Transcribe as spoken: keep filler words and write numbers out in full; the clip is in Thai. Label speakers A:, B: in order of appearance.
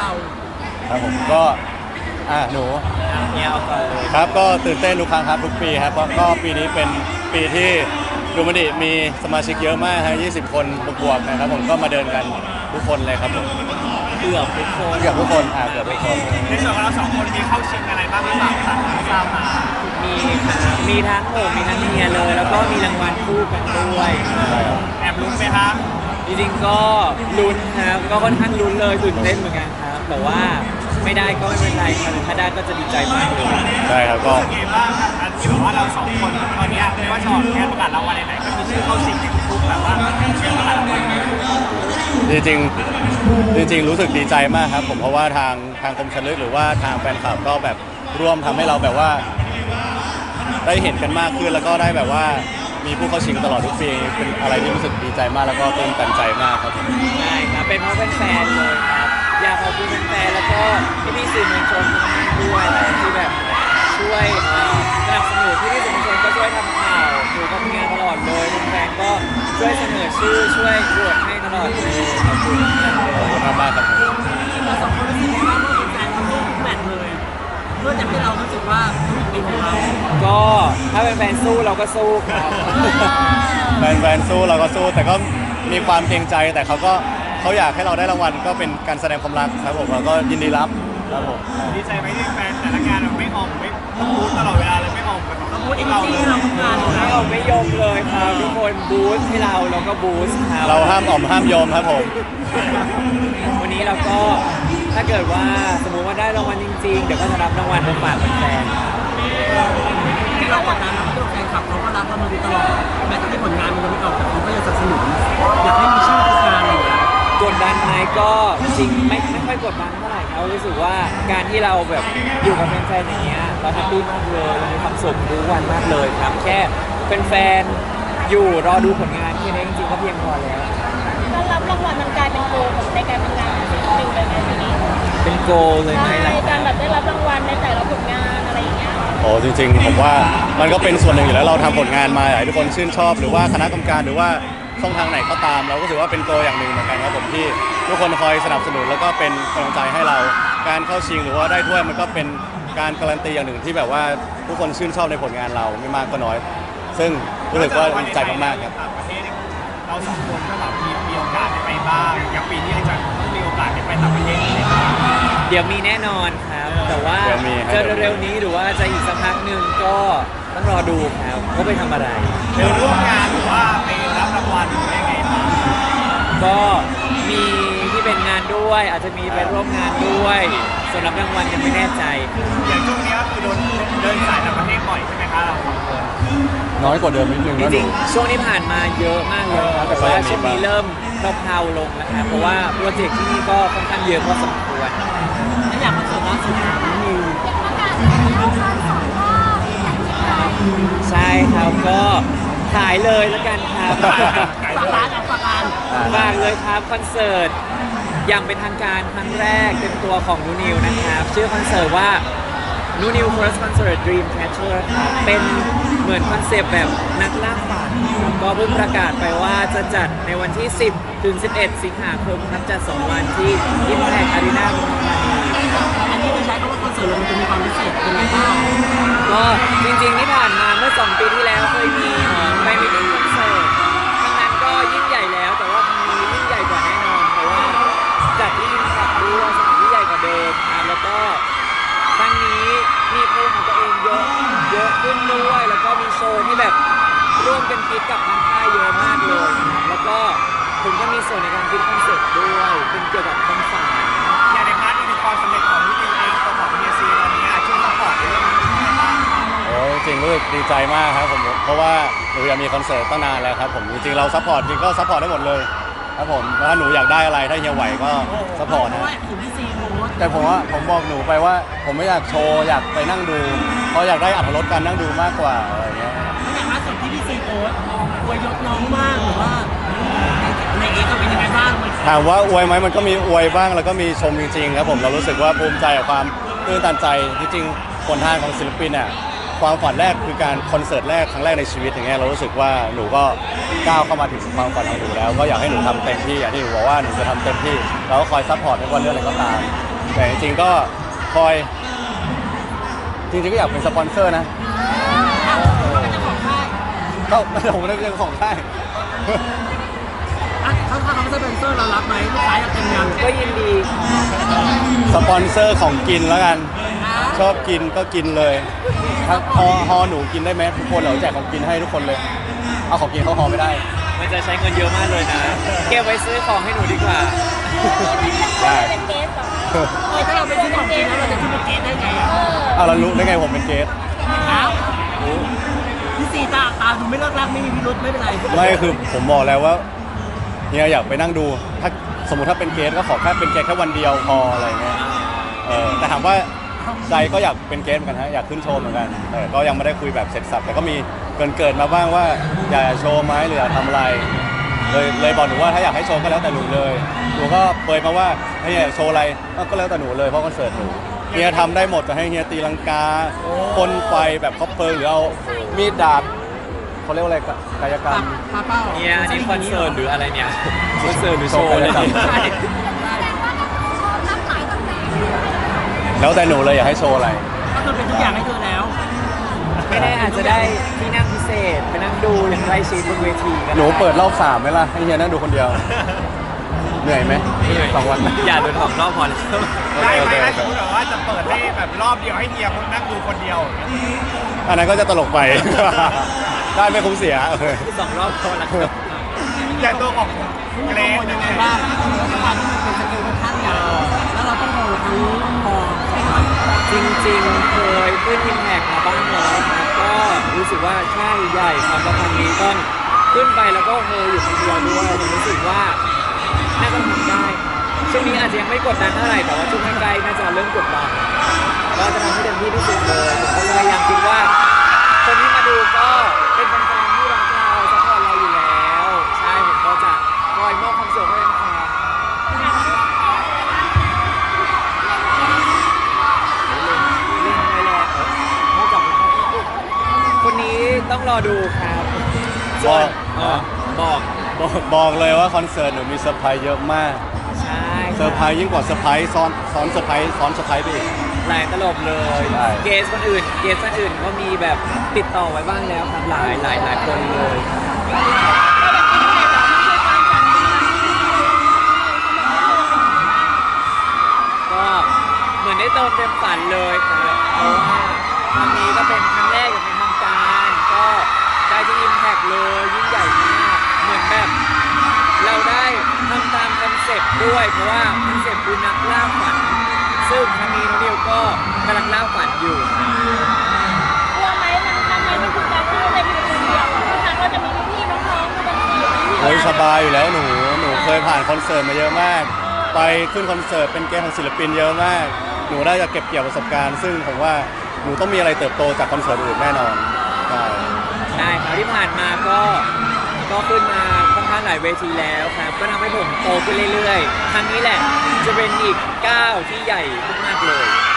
A: เรา
B: ครับผมก็อ่าหนู
C: เนี่ยเอาก่อนเลย
B: ครับก็ตื่นเต้นทุกครั้งครับทุกปีครับเพราะก็ปีนี้เป็นปีที่ดูมันดิมีสมาชิกเยอะมากฮะยี่สิบคนบวกๆนะครับผมก็มาเดินกันทุกคนเลยครับผม
C: เกือบทุกคน
B: เกือบทุกคนอ่าเกือบทุกคน
A: ในส่วนของเราสองคนมีเข้าชิงอะไรบ้างหรือเปล่าครับทราบมา
C: มีครับมีทั้งผมมีทั้งเมียเลยแล้วก็มีรางวัลคู่กันด้วย
A: แอบลุ้นไหมครับ
C: จริงๆก็ลุ้นครับก็ค่อนข้างลุ้นเลยตื่นเต้นเหมือนกันครับแต่ว่าไม่ได้ก็ไม่เป็นไรครับถ้าได้ก็จะดีใจมากเลย
B: ใช่ครับก็
A: รู้สึกไงบ้างครับที่บอกว่าเราสองคนตอนนี้ไม่ว่าจะออกงานประกาศรางวัลไหนๆก็มีชื่อเข้าชิงในทุกๆแบบว่าเชื่อประกาศรางวัล
B: จริงๆจริงๆรู้สึกดีใจมากครับผมเพราะว่าทางทางคมชันลึกหรือว่าทางแฟนคลับก็แบบร่วมทำให้เราแบบว่าได้เห็นกันมากขึ้นแล้วก็ได้แบบว่ามีผู้เข้าชิงตลอดทุกปีเป็นอะไรที่รู้สึกดีใจมากแล้วก็ตื่นตันใจมากครับ
C: ใช่ครับเป็นเพราะแฟนๆเลยครับอยากขอบคุณแฟนๆแล้วก็พี่ๆสื่อมวลชนทุกท่านด้วยที่แบบช่วยสนับสนุนพี่ๆสื่อมวลชนก็ช่วยทำข่าวอยู่กับงานตลอดเลยแฟนๆก็ช่วยเสนอชื่อช่วยโหวตให้ตลอดเลยขอบคุณมากเลย
B: ขอบคุณมากครับ
A: เราสองคนรู้สึกว่าเมื่อแฟนๆเขาสู้ทุกแมตช์เลยเพื่อจะให้เรารู้สึกว่าเป็นของเรา
C: ก็ถ้าเป็นแฟนสู้เราก็สู้ครับ
B: แฟนๆสู้เราก็สู้แต่ก็มีความเกรงใจแต่เขาก็เขาอยากให้เราได้รางวัลก็เป็นการแสดงความรักครับผมเราก็ยินดีรับครับผม
A: ดีใจไหมที่แฟนแต่ละงานเราไม่ออมไม่พูดตลอดเวลาเลยไม่ออมแบบต้องพูดให้เราเลยเราทำงาน
C: ไม่ออมไม่ยอมเลยครับทุกคนบูสต์ให้เราเราก็บูสต์ครับ
B: เราห้ามออมห้ามยอมครับผม
C: วันนี้เราก็ถ้าเกิดว่าสมมุติว่าได้รางวัลจริงๆเดี๋ยวก็จะรับรางวัลมาฝากแฟน
A: ที่เรากดดันนะเพราะแฟนคลับเขาก็รับเรามาตลอดแม้แต่ผลงานมันไม่ออกแต่เขาก็ยังสนับสนุนอยากให้มีชื่อทุกงานอะไรอย่างเงี้ย
C: กดดันไหมก็จริงไม่ไม่ค่อยกดดันเท่าไหร่ครับรู้สึกว่าการที่เราแบบอยู่กับแฟนๆอย่างเงี้ยเราแฮปปี้มากเลยเรามีความสุขทุกวันมากเลยครับแค่แฟนๆอยู่รอดูผลงานแค่นี้จริงๆก็เพียงพอแล้ว
D: การรับรางวัลมันกลายเป็นโกลในการทำงานของศิลปินเลยไหมทีนี้
C: เป็นโกเลยไหม
D: ในการแบบได้รับรางวัลในแต่ละผลงานอะไรอย่างเงี้ย
B: โอ้จริงๆผมว่ามันก็เป็นส่วนหนึ่งอยู่แล้วเราทำผลงานมาให้ทุกคนชื่นชอบหรือว่าคณะกรรมการหรือว่าช่องทางไหนก็ตามเราก็ถือว่าเป็นโกอย่างหนึ่งเหมือนกันครับผมที่ทุกคนคอยสนับสนุนแล้วก็เป็นกำลังใจให้เราการเข้าชิงหรือว่าได้ถ้วยมันก็เป็นการการันตีอย่างหนึ่งที่แบบว่าทุกคนชื่นชอบในผลงานเราไม่มากก็น้อยซึ่งรู้สึกว่าดีใจมากๆครับ
A: เราสองคนก็แบบมีมีโอกาสได้ไปบ้างอย่างปีนี้จะมีโอกาสได้ไปต่างประเทศไหมครับ
C: เดี๋ยวมีแน่นอนครับแต่ว่าจะเร็วๆนี้หรือว่าจะอีกสักพักหนึ่งก็ต้องรอดูครับว่าไปทำอะไร
A: ไปร่วมงานหรือว่าไปรับรางวัลหรือยังไงบ้าง
C: ก็มีที่เป็นงานด้วยอาจจะมีไปร่วมงานด้วยส่วนรับรางวัลยังไม่แน่ใจ
A: อย่างช่วงนี้ก็คือโดนเดินสายต่างประเทศบ่อยใช่ไหมคะเรา
B: น้อยกว่าเดิมนิดนึง
C: จริงๆช่วงที่ผ่านมาเยอะมากเลยครับแต่ว่าช่วงนี้เริ่มเพลาๆลงแล้วครับเพราะว่าโปรเจกต์ที่นี่ก็ค่อนข้างเยอะพอสมควร
A: ถ้าอยากคอนเสิร์ตล่าสุดนิว
C: ใช่ครับก็ขายเลยแล้วกันครับ
A: ฝากร้านฝากร้าน
C: ฝากเลยครับคอนเสิร์ตอย่างเป็นทางการครั้งแรกเป็นตัวของนูนิวนะครับชื่อคอนเสิร์ตว่านูนิว First Concert Dream Catcher ครับเป็นเหมือนคอนเซปต์แบบนักล่าฝันก็เพิ่งประกาศไปว่าจะจัดในวันที่สิบถึงสิบเอ็ดสิงหาคมครับจัดสองวันที่ Impact Arena เมืองทองธานี
A: อันนี้จะใช้คำว่าคอนเสิร์ตมันจะมีความพิเศษเป็นไงบ้าง
C: ก็จริงๆที่ผ่านมาเมื่อสองปีที่แล้วเคยมีไปมิติ้งคอนเสิร์ตครั้งนั้นก็ยิ่งใหญ่แล้วแต่ว่าครั้งนี้ยิ่งใหญ่กว่าแน่นอนเพราะว่าจัดที่ Impact ด้วยสถานที่ใหญ่กว่าเดิมครับแล้วก็ครั้งนี้มีเพลงของตัวเองเยอะเยอะขึ้นด้วยแล้วก็มีโชว์ที่แบบร่วมกันคิดกับทางค่ายเยอะมากเลยแล้วก็ผมก็มีส่วนในการคิดคอนเซ็ปต์ด้วยเป็นเกี่ยวกับความฝัน
A: อย่างในพาร์ทนี้คือความสำเร็จของนิวเองตัวของเฮียซีตอนนี้ช่วยซัพพอร์ตในเรื่องนี้บ้าง
B: โอ้จริงรู้สึกดีใจมากครับผมเพราะว่าหนูอยากมีคอนเสิร์ตตั้งนานแล้วครับผมจริงๆเราซัพพอร์ตจริงก็ซัพพอร์ตได้หมดเลยครับผมถ้าหนูอยากได้อะไรถ้าเฮียไหวก็ซัพพอร์ตนะแต่ผมว่าผมบอกหนูไปว่าผมไม่อยากโชว์อยากไปนั่งดูเพราะอยากได้อรรถรสการนั่งดูมากกว่าอะไรเงี้ย
A: อย่างล่าสุดที่พี่ซีโพสต์อวยยศน้องมากหรือว่าในเอ็กซ์เป็นยังไงบ้าง
B: ถามว่าอวยไหมมันก็มีอวยบ้างแล้วก็มีชมจริงๆครับผมเรารู้สึกว่าภูมิใจกับความตื่นตันใจจริงๆผลทางของศิลปินเนี่ยความฝันแรกคือการคอนเสิร์ตแรกครั้งแรกในชีวิตอย่างเงี้ยเรารู้สึกว่าหนูก็ก้าวเข้ามาถึงความฝันของหนูแล้วก็อยากให้หนูทำเต็มที่อย่างที่หนูบอกว่าหนูจะทำเต็มที่เราก็คอยซัพพอร์ตไม่ว่าเรื่องอะไรก็ตามแต่จริงๆก็คอยจริงๆก็อยากเป็นสปอนเซอร์นะก็ผมไม่ได้เป็นของค่าย
A: อ่ะถ้าถ้าเขาไม่ใช่เป็นเซอร์เรารับไหมลูกค้าอยากกินยัง
C: ก็ยินดี
B: สปอนเซอร์ของกินแล้วกัน ชอบกินก็กินเลยถ้าฮอฮอหนูกินได้ไหมทุกคนเหราแจกของกินให้ทุกคนเลย เอาของกินเขาฮอไม่ได้
C: มันจะใช้เงินเยอะมากเลยนะเก็บไว้ซื้อของให้หนูดีกว่า
B: ได้
D: เป็นเกสเหรอ
A: เฮ้ยถ้าเราไปซื้อของกินแล้วเราจะขึ้นเป็นเกสได้ไงอ่ะ
B: เอาแล้วรู้ได้ไงผมเป็นเกส
A: อ้าวพี่ซีตาตาดูไม่เลิกรักไม่มีพิรุธไม่เป็นไร
B: ไม่คือผมบอกแล้วว่าเฮียอยากไปนั่งดูถ้าสมมติถ้าเป็นเกสก็ขอแค่เป็นเกสแค่วันเดียวพออะไรเงี้ยเออแต่ถามว่าใจก็อยากเป็นเกสเหมือนกันฮะอยากขึ้นโชว์เหมือนกันแต่ก็ยังไม่ได้คุยแบบเสร็จสับแต่ก็มีเกินเกิดมาบ้างว่าอยากจะโชว์ไหมหรืออยากทำอะไรเลยเลยบอกหนูว่าถ้าอยากให้โชว์ก็แล้วแต่หนูเลยหนูก็เปยมาว่าให้เฮียอยากโชว์อะไรก็แล้วแต่หนูเลยเพราะคอนเสิร์ตหนูเฮียทำได้หมดจะให้เฮียตีลังกาพ่นไฟแบบคอปเปอร์หรือเอามีดดาบเขาเรียกว่าอะไรกายกรรม
A: ป้าเป้า
C: เนี่ยอันนี้คอนเสิร์ตหรืออะไรเนี่ยคอนเสิร์ตหรือโชว์เลย
B: โชว์
C: ใช่
B: แล้วแต่หนูเลยอยากให้โชว์อะไร
A: ก็คือเป็นทุกอย่างให้เธอแล้ว
C: ไม่แน่อาจจะได้ที่นั่งพิเศษไปนั่งดูอย่างใกล้ชิดบนเวทีก็ได้
B: หนูเปิดรอบสามไหมล่ะให้เฮียนั่งดูคนเดียว เหนื่อยไหมสองวันไหม
C: อย่าโดนหอมรอบพอแล้ว
E: ได้ไหม
B: โอเค
E: ถ้า
B: โอเค
E: สมมติแบบว่าจะเปิดให้แบบรอบเดียวให้เฮียคนนั่งดูคนเดียวอย่างเงี้ย
B: อันนั้นก็จะตลกไป ได้ไม่คุ้มเสียโอเค
C: สองรอบพอแล้วครับ
E: แต่ตัวของเกร
A: โอ้
E: ซ
A: ยังไงบ้างด้วยความที่มันเป็นสกิลค่อนข้างใหญ่แล้วเราต้องโหทั้งพอ
C: จริงๆเคยขึ้นอิมแพกมาบ้างแล้วครับก็รู้สึกว่าใช่ใหญ่ความประพันธ์นี้ต้องขึ้นไปแล้วก็เฮอยู่คนเดียวด้วยผมรู้สึกว่าน่าจะทำได้ช่วงนี้อาจจะยังไม่กดดันเท่าไหร่แต่ว่าช่วงใกล้ๆน่าจะเริ่มกดดันก็จะทำให้เต็มที่ที่สุดเลยผมก็พยายามคิดว่าคนที่มาดูก็เป็นแฟนๆที่รักเราซัพพอร์ตเราอยู่แล้วใช่ผมก็จะคอยมอบความสุขให้แฟนๆ เล่นไม่แลกนอกจากคนนี้ต้องรอดูครับ
B: บอก
C: เออบอก
B: บอกบอกเลยว่าคอนเสิร์ตหนูมีเซอร์ไพรส์เยอะมาก
C: ใช่
B: เซอร์ไพรส์ยิ่งกว่าเซอร์ไพรส์ซ้อนซ้อนเซอร์ไพรส์ซ้อนเซอร์ไพรส์ไปอีก
C: หลายตลบเลย
B: ใช่
C: เกสคนอื่น เกสคนอื่นก็มีแบบติดต่อไว้บ้างแล้วครับหลายหลายหลายคนเลยก็เหมือนได้เติมเต็มฝันเลยครับเพราะว่าครั้งนี้ก็เป็นครั้งแรกอย่างเป็นทางการ ก็ได้ที่อิมแพกเลยยิ่งใหญ่มากเหมือนแบบ เราได้ทำตามคอนเซ็ปต์ด้วยเพราะว่าคอนเซ็ปต์คือนักล่าฝัน ซึ่งครั้งนี้น้องนิวก็กำลังล่าฝันอยู่
D: กลัวไหมมันทำไมมันคือการที่เราเป็นคนเดียวทุกครั้งเราจะมีพี่ๆน้องๆมาเป็นทีม
B: โอ้ยสบายอยู่แล้วหนูหนูเคยผ่านคอนเสิร์ตมาเยอะมาก ไปขึ้นคอนเสิร์ตเป็นเกสของศิลปินเยอะมาก หนูได้จะเก็บเกี่ยวประสบการณ์ ซึ่งผมว่าหนูต้องมีอะไรเติบโตจากคอนเสิร์ตอื่นแน่นอนใช่
C: ใช่ครับที่ผ่านมาก็ก็ขึ้นมาค่อนข้างหลายเวทีแล้วครับ ก็ทำให้ผมโตขึ้นเรื่อยๆ ครั้งนี้แหละจะเป็นอีกก้าวที่ใหญ่มากๆเลย